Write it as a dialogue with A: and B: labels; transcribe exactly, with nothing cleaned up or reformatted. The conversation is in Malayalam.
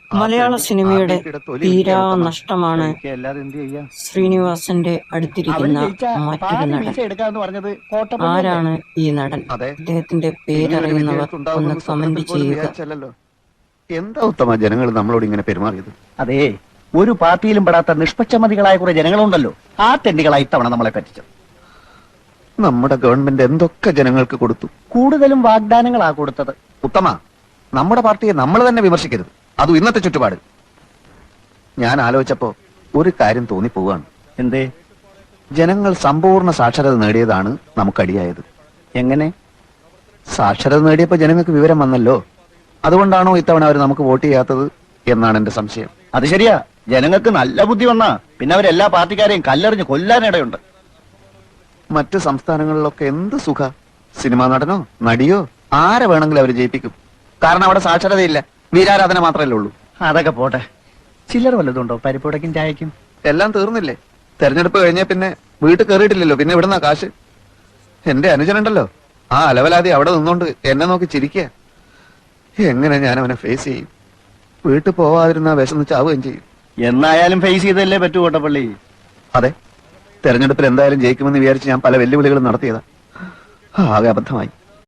A: മലയാള സിനിമയുടെ തീരാ നഷ്ടമാണ് ശ്രീനിവാസന്റെ അടുത്തിരിക്കുന്ന മറ്റൊരു നടൻ. ആരാണ് ഈ നടൻ? അദ്ദേഹത്തിന്റെ പേരറിയുന്നവർ ഒന്ന് കമന്റ് ചെയ്യുക.
B: എന്താ ഉത്തമ ജനങ്ങൾ നമ്മളോട് ഇങ്ങനെ പെരുമാറിയത്?
C: അതെ, ഒരു പാർട്ടിയിലും പെടാത്ത നിഷ്പക്ഷമതികളായ കുറെ ജനങ്ങളുണ്ടല്ലോ, ആ തെണ്ടികളായി ഇത്തവണ നമ്മളെ പറ്റിച്ചത്.
B: നമ്മുടെ ഗവൺമെന്റ് എന്തൊക്കെ ജനങ്ങൾക്ക് കൊടുത്തു?
C: കൂടുതലും വാഗ്ദാനങ്ങളാ കൊടുത്തത്.
B: ഉത്തമ, നമ്മുടെ പാർട്ടിയെ നമ്മൾ തന്നെ വിമർശിക്കരുത്, അതും ഇന്നത്തെ ചുറ്റുപാട്. ഞാൻ ആലോചിച്ചപ്പോ ഒരു കാര്യം തോന്നിപ്പോവാണ്.
C: എന്തേ?
B: ജനങ്ങൾ സമ്പൂർണ്ണ സാക്ഷരത നേടിയതാണ് നമുക്കടിയായത്.
C: എങ്ങനെ?
B: സാക്ഷരത നേടിയപ്പോ ജനങ്ങൾക്ക് വിവരം വന്നല്ലോ, അതുകൊണ്ടാണോ ഇത്തവണ അവർ നമുക്ക് വോട്ട് ചെയ്യാത്തത് എന്നാണ് എന്റെ സംശയം.
C: അത് ശരിയാ, ജനങ്ങൾക്ക് നല്ല ബുദ്ധി വന്നാ പിന്നെ അവരെല്ലാ പാർട്ടിക്കാരെയും കല്ലെറിഞ്ഞ് കൊല്ലാനിടയുണ്ട്.
B: മറ്റു സംസ്ഥാനങ്ങളിലൊക്കെ എന്ത് സുഖ, സിനിമാ നടനോ നടിയോ ആരെ വേണമെങ്കിലും അവർ ജയിപ്പിക്കും. കാരണം അവിടെ സാക്ഷരതയില്ല, വീരാരാധന മാത്രമല്ലേ ഉള്ളൂ.
C: അതൊക്കെ പോട്ടെ, ചില്ലറ വല്ലതുണ്ടോ പരിപ്പുടക്കും ചായക്കും?
B: എല്ലാം തീർന്നില്ലേ? തെരഞ്ഞെടുപ്പ് കഴിഞ്ഞ പിന്നെ വീട്ടിൽ കയറിയിട്ടില്ലല്ലോ, പിന്നെ ഇവിടുന്ന കാശ്. എന്റെ അനുജനുണ്ടല്ലോ, ആ അലവലാതി അവിടെ നിന്നോണ്ട് എന്നെ നോക്കി ചിരിക്കുക. എങ്ങനെ ഞാൻ അവനെ ഫേസ് ചെയ്യും? വീട്ടിൽ പോവാതിരുന്ന വിശന്ന് ചാവുകയും ചെയ്യും.
C: എന്നായാലും ഫേസ് ചെയ്തല്ലേ പറ്റൂ കോട്ടപ്പള്ളി.
B: അതെ, തെരഞ്ഞെടുപ്പിൽ എന്തായാലും ജയിക്കുമെന്ന് വിചാരിച്ച് ഞാൻ പല വെല്ലുവിളികളും നടത്തിയതാ. ആകെ അബദ്ധമായി.